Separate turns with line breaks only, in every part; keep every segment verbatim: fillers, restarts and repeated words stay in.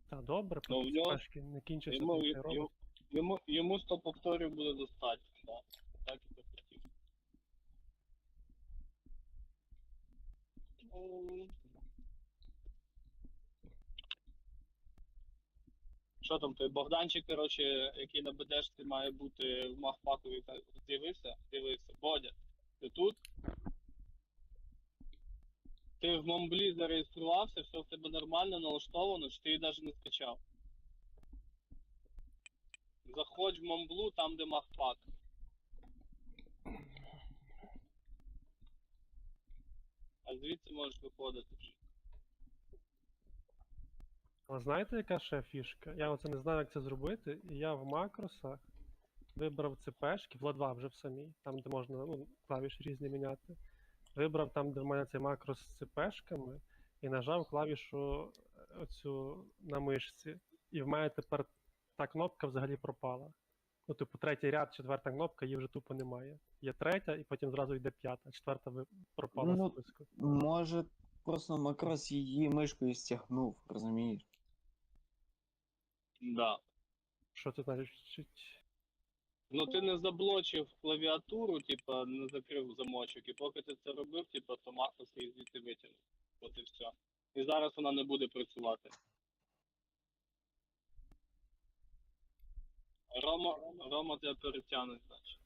Та добре,
Ну, в
поки
нього-
цепешки не кінчаться,
Йому,
то й
йому,
робить.
йому, йому сто повторів буде достатньо, да. Так і захотів. Ну, Що там, той Богданчик, коротше, який на БДшці має бути в Махпакові, та- з'явився? З'явився. Бодя, ти тут? Ти в Момблі зареєструвався, все в тебе нормально налаштовано, чи ти її навіть не скачав? Заходь в Момблу, там де Махпак. А звідси можеш виходити вже.
Але знаєте, яка ще фішка? Я оце не знаю, як це зробити, і я в макросах вибрав цепешки, в ел два вже в самій, там де можна ну, клавіші різні міняти. Вибрав там, де в мене цей макрос з цепешками, і нажав клавішу е, оцю на мишці. І в мене тепер та кнопка взагалі пропала. Ну, типу, третій ряд, четверта кнопка, її вже тупо немає. Є третя, і потім зразу йде п'ята, а четверта ви- пропала
Ну,
з списку.
Може, просто Макрос її мишкою стягнув, розумієш?
Да.
Що це значить?
Ну ти не заблочив клавіатуру, типа не закрив замочок, і поки ти це робив, типа, то Макрос її звідти витягнув. От і все. І зараз вона не буде працювати. Рома, Рома тебе перетягне, значить.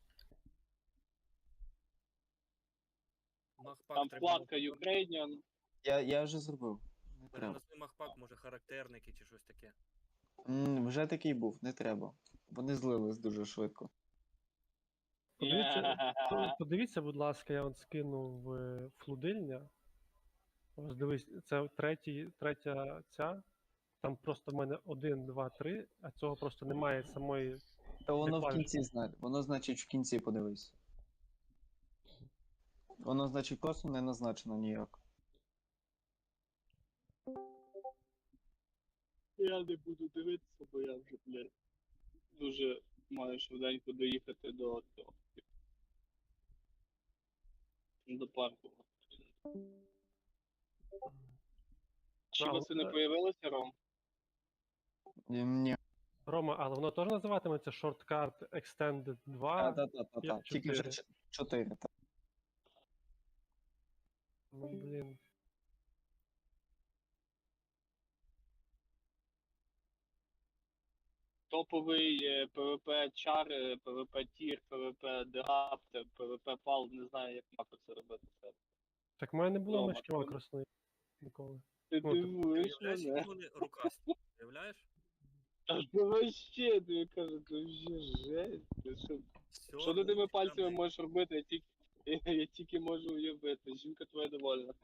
Махпак
Там
треба
вкладка
було-
Ukrainian.
Я, я вже зробив. Не треба.
Переносний махпак, може характерники чи щось таке.
М, вже такий був, не треба. Вони злились дуже швидко.
Подивіться, подивіться, будь ласка, я от скинув е, флудильня. Ось дивись, це третій, третя ця. Там просто в мене один, два, три, а цього просто немає самої.
Та воно в
клавіш.
кінці знає. Воно, значить, в кінці подивись. Воно, значить, просто не назначено ніяк.
Я не буду дивитися, бо я вже, блядь, дуже маю швиденько доїхати до цього. До парку. Чи
А,
вас не
от,
появилося, Ром?
Ні, Ні.
Рома, але воно теж називатиметься Shortcut Extended два.
Та-та-та-та.
я
Тільки вже
чотири.
ч- чотири. Та.
Ну, блін.
Топовий е, PvP чар, е, PvP тір, PvP дегаптер, PvP пал, не знаю, як мапи це робити. Це.
Так в мене не було
Рома,
мишки
ти-
макросної ніколи.
Ти
Ну, ти-
дивуєш
Уявляєш,
мене?
які вони рукасті? Уявляєш?
Та це вообще, тобі кажу, це вже жесть. Ти що,
Все,
що ти тими
ну,
пальцями
там,
можеш робити? Я тільки, я, я тільки можу уявити. Жінка твоя довольна.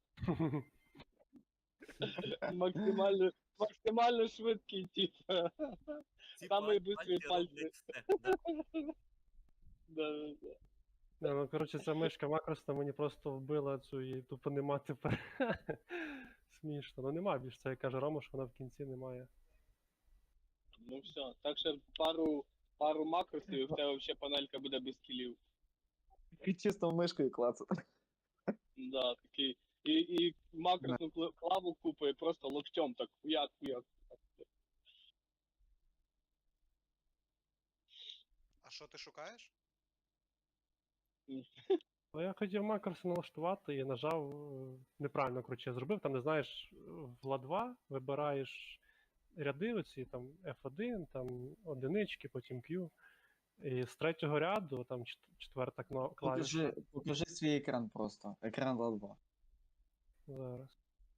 Максимально, максимально швидкий тип.
ці
самий
пальці
бистрий пальці.
роблять все, да.
Да, да, да.
Не, ну, коротше, ця мишка макросна мені просто вбила цю і тупо нема тепер. Смішно. Ну нема більш це, як каже Рома, що вона в кінці немає.
Ну все. Так що пару, пару макросів, і в тебе взагалі панелька буде без кілів.
І чисто мишкою клацати.
Да, такий. І, і макросну кла- клаву купує просто локтем так хуяк, хуяк.
А що ти шукаєш?
Ну, я хотів макроси налаштувати і нажав е, неправильно, коротше, я зробив. Там, не знаєш, в ел два вибираєш ряди оці, там еф один, там одинички, потім Q. І з третього ряду, там чет- четверта кно- клавіша.
Покажи, покажи свій екран просто. Екран ел два.
Зараз.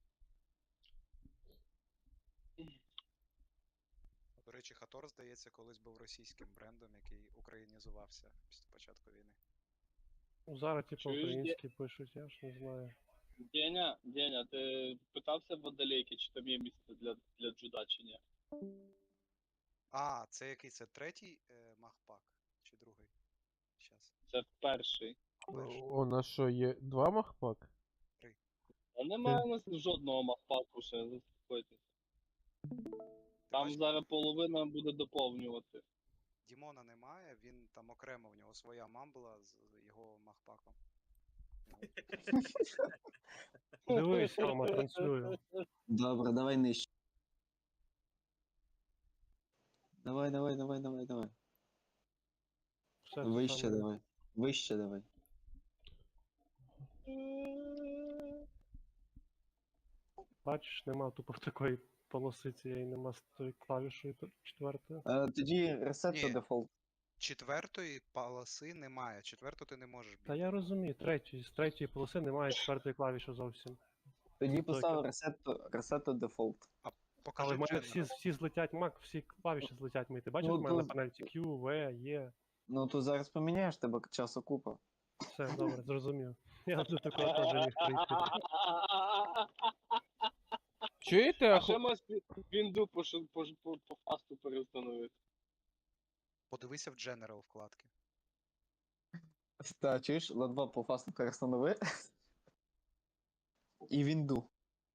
До речі, Хатор, здається, колись був російським брендом, який українізувався після початку війни.
Ну, зараз, типу,
Чуєш,
українські пишуть, я ж не знаю.
Деня, Деня, ти питався в водолейки, чи там є місце для, для джуда, чи ні?
А, це який це третій е, махпак? Чи другий? Щас.
Це перший.
Перший.
У нас що, є два махпак?
А немає у нас жодного махпаку ще, заспокойтесь. Там
бачиш?
зараз половина буде доповнювати.
Дімона немає, він там окремо, в нього своя мамбла з його махпаком.
Дивись, Рома, транслюю.
Добре, давай нижче. Давай, давай, давай, давай, давай.
Все те
Вище
саме.
давай. Вище давай.
Бачиш, нема тупо такої полоси цієї, нема з тою клавішою т- четвертою.
Е, тоді reset to
Ні.
default.
Четвертої полоси немає. Четверту ти не можеш
Та
бігти.
я розумію, третьої, з третьої полоси немає четвертої клавіші зовсім.
Тоді
Це
постав reset to, reset to default.
Покажи
Але в мене
General.
всі, всі злетять мак, всі клавіші злетять мої. Ти бачиш,
Ну,
в мене на
то-
панельці Q, V, E.
Ну то зараз поміняєш, тебе часу купа.
Все, добре, зрозумів. Я до такого теж міг прийти.
Чуєте?
А
Аху-
ще можеш вінду по, шу- по, ж- по, по фасту переустановити.
Подивися в General вкладки.
Та, чуєш, ла два по фасту перестанови. І вінду.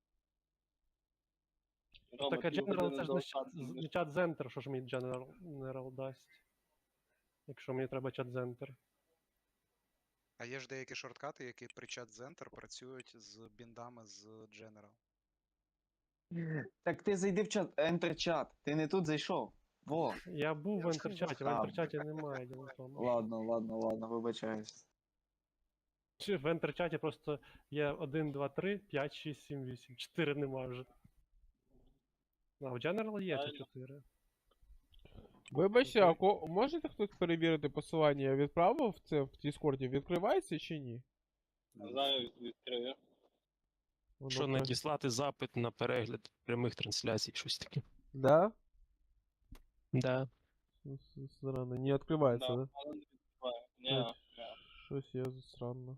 Рома,
Так, а
дві
General
години
це ж
до
не чат-
останнього
з-
будеш.
не чат Center, що ж мені General, General дасть. Якщо мені треба чат Center.
А є ж деякі шорткати, які при чат Center працюють з біндами з General.
Так ти зайди в чат, enter чат. Ти не тут зайшов. Во.
Я був в
Я вже
ентерчаті, в
знав.
ентерчаті немає діло в тому.
Ладно, ладно, ладно, вибачаюсь.
Чи в ентерчаті просто є один, два, три, п'ять, шість, сім, вісім. чотири немає вже. А в General є ці
Правильно.
чотири.
Вибачте, а ко... можете хтось перевірити посилання? Я відправив це в Діскорді, відкривається чи ні?
Зараз відкрию.
Воно
Що
про-
надіслати запит на перегляд прямих трансляцій, щось таке.
Да?
Да.
С- с- Странно, не відкривається,
Да,
да?
але не відкриваю. Ні,
Так.
ні.
Щось я странно.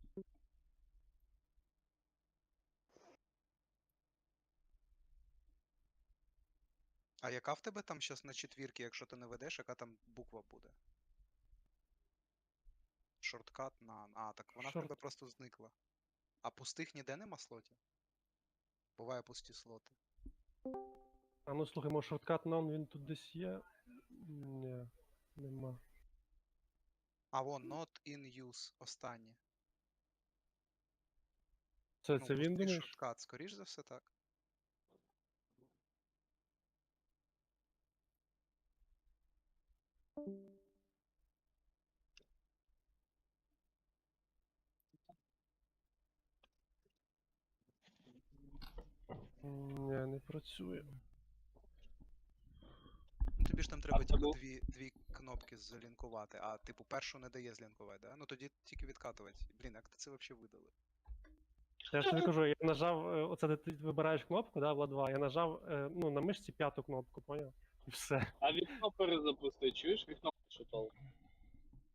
А яка в тебе там щас на четвірки, якщо ти не ведеш, яка там буква буде? Шорткат на. А, так вона в
Шорт-
тебе просто зникла. А пустих ніде нема слотів? Буває пусті слоти.
А ну слухай, може шорткат нон він тут десь є? Ні, нема.
А вон, not in use, останнє.
Це,
Ну,
це він
пустий
думаєш?
шорткат, скоріш за все так.
Ні, не працює.
Ну, тобі ж там треба
це
типу
був-
дві, дві кнопки залінкувати, а типу першу не дає злінкувати, да? Ну тоді тільки відкатувати. Блін, як ти це взагалі видали?
Я ж тобі кажу, я нажав, е, оце де ти вибираєш кнопку, да, Влад два, я нажав е, ну, на мишці п'яту кнопку, поняв? І все.
А вікно перезапусти, чуєш? Вікно що толку?